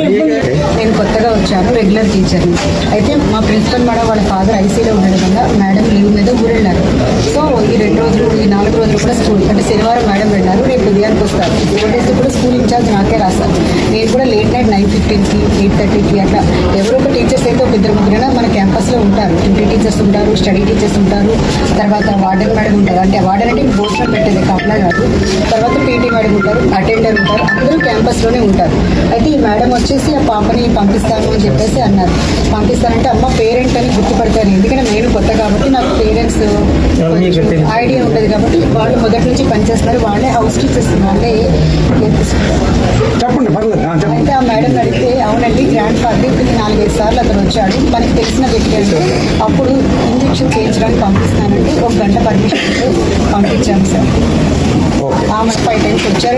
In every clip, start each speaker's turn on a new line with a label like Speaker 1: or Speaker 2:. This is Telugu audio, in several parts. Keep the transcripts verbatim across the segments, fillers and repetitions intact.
Speaker 1: నేను కొత్తగా వచ్చాను, రెగ్యులర్ టీచర్ని. అయితే మా ప్రిన్సిపల్ మేడం వాళ్ళ ఫాదర్ ఐసీలో ఉండడం వల్ల మేడం లీవ్ మీద ఊరు వెళ్ళారు. సో ఈ రెండు రోజులు ఈ నాలుగు రోజులు కూడా స్కూల్ అంటే శనివారం మేడం వెళ్ళారు, రేపు ఉదయానికి వస్తారు. ఫోర్ డేస్ కూడా స్కూల్ ఇన్ఛార్జ్ నాకే రాశారు. నేను కూడా లేట్ నైట్ నైన్ ఫిఫ్టీన్కి ఎయిట్ థర్టీకి అట్లా ఎవరో ఒక టీచర్స్ అయితే ఒక ఇద్దరు ముగ్గురైనా మన క్యాంపస్లో ఉంటారు. డ్యూటీ టీచర్స్ ఉంటారు, స్టడీ టీచర్స్ ఉంటారు, తర్వాత వార్డెన్ మేడం ఉంటారు. అంటే వార్డెన్ అంటే భోజనం పెట్టేది కాపలా కాదు. తర్వాత పీటీ మేడం ఉంటారు, అటెండర్ ఉంటారు, అందరూ క్యాంపస్లోనే ఉంటారు. అయితే ఈ మేడం వచ్చేసి ఆ పాపని పంపిస్తాను అని చెప్పేసి అన్నారు. పంపిస్తానంటే అమ్మ పేరెంట్ అని గుర్తుపడతాను, ఎందుకంటే నేను కొత్త కాబట్టి నాకు పేరెంట్స్ ఐడియా ఉండదు కాబట్టి వాళ్ళు మొదటి నుంచి పనిచేస్తారు. వాళ్ళే హౌస్ టీచర్స్, వాళ్ళే
Speaker 2: చెప్పండి.
Speaker 1: అయితే ఆ మేడం అడిగితే అవునండి గ్రాండ్ ఫాదర్ ఇప్పుడు నాలుగైదు సార్లు అతను వచ్చాడు, మనకి తెలిసిన వ్యక్తి అంటే అప్పుడు ఇంజక్షన్ చేయించడానికి పంపిస్తానంటే ఒక గంట పర్మిషన్ పంపించాము సార్. ఆమె ఫైవ్ టైమ్స్ వచ్చారు.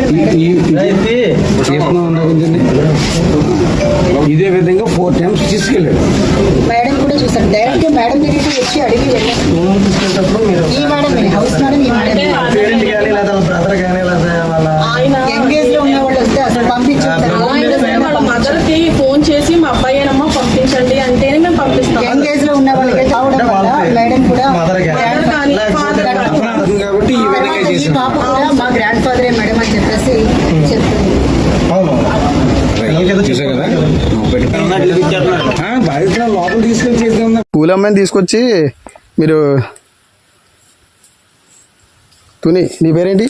Speaker 2: ఇదే విధంగా ఫోర్ టైమ్స్ తీసుకెళ్ళాడు.
Speaker 1: మేడం కూడా చూసారు, డైరెక్ట్ మేడం దగ్గరికి వచ్చి అడిగి వెళ్ళారు. ఈ మేడం హౌస్ మేడం ఈ మేడం ఎంగేజ్ లో ఉన్న వాళ్ళు వస్తే అసలు పంపించారు.
Speaker 3: మదర్ కి ఫోన్ చేసి మా అబ్బాయి ఏనమ్మా పంపించండి అంటేనే మేము పంపిస్తాం.
Speaker 1: ఎంగేజ్ లో ఉన్న వాళ్ళకి కావడం వల్ల మేడం కూడా ఈ పాప కూడా మా గ్రాండ్ ఫాదరే మేడం అని చెప్పేసి చెప్తుంది.
Speaker 2: లోపల తీసుకెళ్ళి చేద్దాం.
Speaker 4: స్కూల్ అమ్మాయిని తీసుకొచ్చి మీరు తుని, నీ పేరేంటి?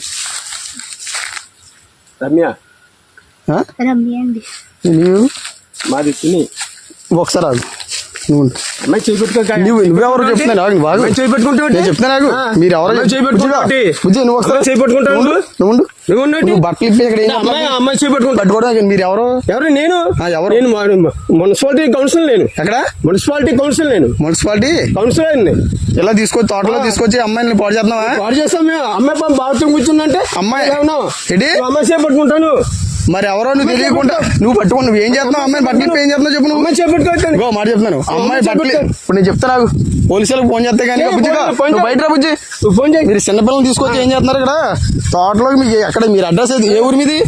Speaker 5: రమ్య.
Speaker 6: రమ్య అండి.
Speaker 4: నీవు?
Speaker 5: మాది తుని.
Speaker 4: ఒకసారి ఆగు, నువ్వు
Speaker 5: అమ్మాయి చేపెట్టుకో.
Speaker 4: నువ్వు నువ్వెవరో చెప్తున్నాను ఆగు, బాగు
Speaker 5: చేపెట్టుకుంటా
Speaker 4: నేను చెప్తాను ఆగు. మీరు ఎవరో బుజ్జి నువ్వు ఒకసారి
Speaker 5: చేపెట్టుకుంటావు.
Speaker 4: నువ్వు నువ్వు బట్టలు ఇప్పి ఇక్కడ
Speaker 5: అమ్మాయి చేపెట్టుకుంటా
Speaker 4: పట్టుకోవడం. మీరు ఎవరు?
Speaker 5: ఎవరు? నేను
Speaker 4: ఎవరు?
Speaker 5: నేను మున్సిపాలిటీ కౌన్సిల్. నేను
Speaker 4: ఎక్కడ?
Speaker 5: Municipality council. నేను
Speaker 4: మున్సిపాలిటీ
Speaker 5: కౌన్సిల్ అయింది.
Speaker 4: ఇలా తీసుకొచ్చి తోటలో తీసుకొచ్చి అమ్మాయిని పాడు చేస్తున్నావా?
Speaker 5: పాడు చేస్తాం మేము. అమ్మాయి బాగా కూర్చుందంటే
Speaker 4: అమ్మాయి
Speaker 5: ఏంటి అమ్మాయి చేపట్టుకుంటాను.
Speaker 4: మరి ఎవరో నువ్వు తెలియకుండా నువ్వు పట్టుకుని నువ్వు ఏం చేస్తున్నావు? అమ్మాయి బట్టలు ఏం చేస్తున్నావు చెప్పు. నువ్వు
Speaker 5: అమ్మాయి చేపట్టుకోవచ్చు.
Speaker 4: ఇంకో మాట చెప్తున్నాను, అమ్మాయి బట్టలు ఇప్పుడు నేను చెప్తాను పోలీసులకు ఫోన్ చేస్తే కానీ నువ్వు బయట రా బుజ్జి.
Speaker 5: ఫోన్ చేయి.
Speaker 4: మీరు చిన్నపిల్లలు తీసుకొచ్చి ఏం చేస్తున్నారు ఇక్కడ తోటలో? మీకు ఎక్కడ మీరు అడ్రస్ ఏది? ఏ ఊరు మీది?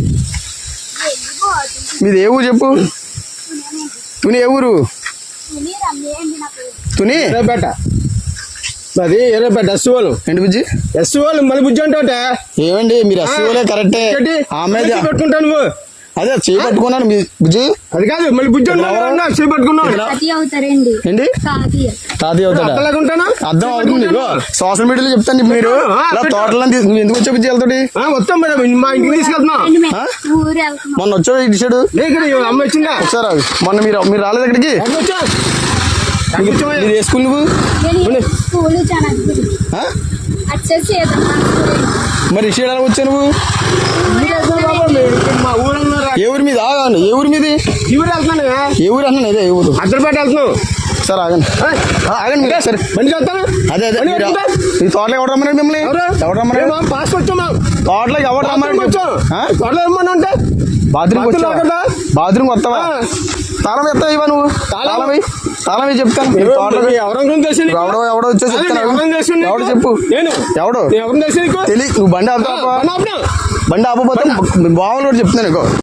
Speaker 4: మీది ఏ ఊరు చెప్పు. తుని ఏ ఊరు? తుని
Speaker 5: ఎర్రపేట. అది ఎర్రపేట ఎస్ వాళ్ళు.
Speaker 4: ఏంటి బుజ్జి?
Speaker 5: ఎస్ వాళ్ళు మళ్ళీ బుజ్జి అంటే
Speaker 4: ఏమండి మీరు ఎస్ వాళ్ళే కరెక్టే. ఆమె
Speaker 5: పెట్టుకుంటాను నువ్వు.
Speaker 4: అదే చేపట్టుకున్నాను మీ బుజ్జి.
Speaker 5: అది కాదు మళ్ళీ బుజ్జి చేపట్టుకున్నాను.
Speaker 4: ఏంటి తాతయ్య అవుతాడా? అర్థం అవుతుంది. సోషల్ మీడియాలో చెప్తాను. మీరు తోటలో నువ్వు ఎందుకు వచ్చా బుజ్జి వెళ్తాడు?
Speaker 5: వస్తాం మేడం, మా ఇంటికి తీసుకెళ్తున్నా.
Speaker 4: మొన్న వచ్చాడు ఇటు సైడు
Speaker 5: అమ్మ వచ్చిందా?
Speaker 4: ఒకసారి మొన్న మీరు మీరు రాలేదు ఇక్కడికి? మీరు ఏ స్కూల్ నువ్వు? మరి ఇటు సైడ్ వచ్చా నువ్వు?
Speaker 5: మా ఊరు
Speaker 4: ఏ ఊరి మీద? ఆగాను. ఏ ఊరి మీది?
Speaker 5: ఈ ఊరు వెళ్తున్నాను.
Speaker 4: ఏ ఊరు అన్నాను? అదే ఏ ఊరు?
Speaker 5: అద్దరిపేట వెళ్తున్నావు.
Speaker 4: సార్ ఆగండి ఆగండి సరే
Speaker 5: మంచి వెళ్తాను.
Speaker 4: అదే అదే ఈ తోటలో ఎవరు రమ్మన్నాడు మిమ్మల్ని? ఎవరు రమ్మన్నాడు?
Speaker 5: పాస్ వచ్చామా?
Speaker 4: తోటలోకి ఎవరు రమ్మన్నాడు?
Speaker 5: తోటలో ఏమన్నా అంటే
Speaker 4: బాత్రూమ్ వచ్చావా? బాత్రూమ్ వస్తావా? తాళం ఎత్తావు ఇవా నువ్వు? తాళం తాళం చెప్పాను. ఎవడో ఎవడో వచ్చో చెప్తాను. ఎవడు చెప్పు. ఎవడు తెలియదు. నువ్వు బండి ఆపుతావా? బండి ఆపపోతే బావులు కూడా చెప్తున్నాను.